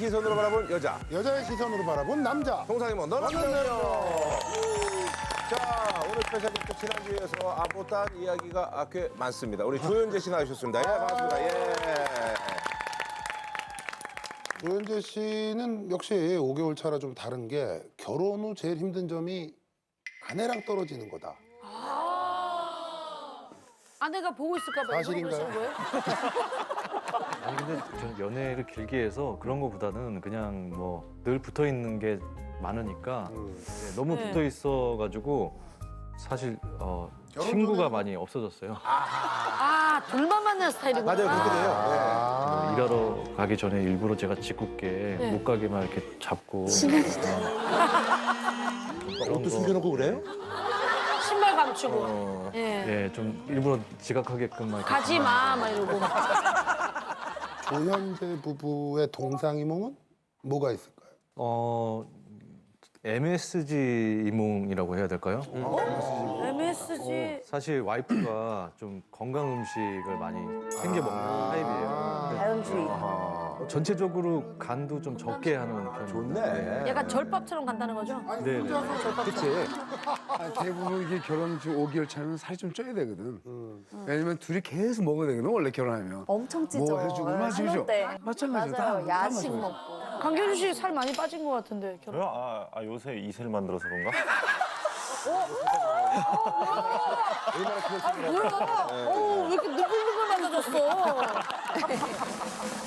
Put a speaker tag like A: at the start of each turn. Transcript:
A: 시선으로 바라본 여자.
B: 여자의 시선으로 바라본 남자.
A: 동상이 뭐 너는 남자요. 자, 오늘 스페셜 게스트 지난주에서 못한 이야기가 꽤 많습니다. 우리 조현재 씨 나오셨습니다. 예, 반갑습니다. 예.
B: 조현재 씨는 역시 5개월 차라 좀 다른 게 결혼 후 제일 힘든 점이 아내랑 떨어지는 거다.
C: 아내가 보고 있을까 봐
B: 사실인가요?
C: 거예요?
D: 아니 근데 저는 연애를 길게 해서 그런 거보다는 그냥 뭐 늘 붙어 있는 게 많으니까 너무
C: 네.
D: 붙어 있어가지고 사실 친구가 많이 없어졌어요.
C: 아, 둘만 만난 스타일이구나.
A: 맞아요, 그렇게 돼요.
D: 뭐 일하러 가기 전에 일부러 제가 짓궂게
C: 네.
D: 못 가게만 이렇게 잡고
A: 옷도 숨겨놓고 그래요?
C: 신발 감추고. 예.
D: 예, 좀 일부러 지각하게끔 막 이렇게
C: 가지 마, 막 이러고.
B: 조현재 부부의 동상이몽은 뭐가 있을까요?
D: MSG 이몽이라고 해야 될까요?
C: MSG.
D: 사실 와이프가 좀 건강 음식을 많이 챙겨 먹는 타입이에요.
E: 자연주의.
D: 전체적으로 간도 좀 적게 하는 편이에요.
A: 좋네.
C: 약간 절밥처럼 간다는 거죠?
D: 네.
A: 그치?
F: 대부분 이게 결혼 지 5개월 차면 살이 좀 쪄야 되거든. 왜냐면 둘이 계속 먹어야 되거든, 원래 결혼하면.
E: 엄청 찌죠.
F: 뭐 해주고, 맞아, 그죠?
E: 때.
F: 마찬가지죠. 다
E: 맞아요. 야식
F: 마찬가지죠.
E: 먹고.
C: 강균 씨 살 많이 빠진 것 같은데. 결혼.
G: 저요? 요새 이슬 만들어서 그런가?
C: 뭐야? 왜 이렇게 누글누글 만나졌어?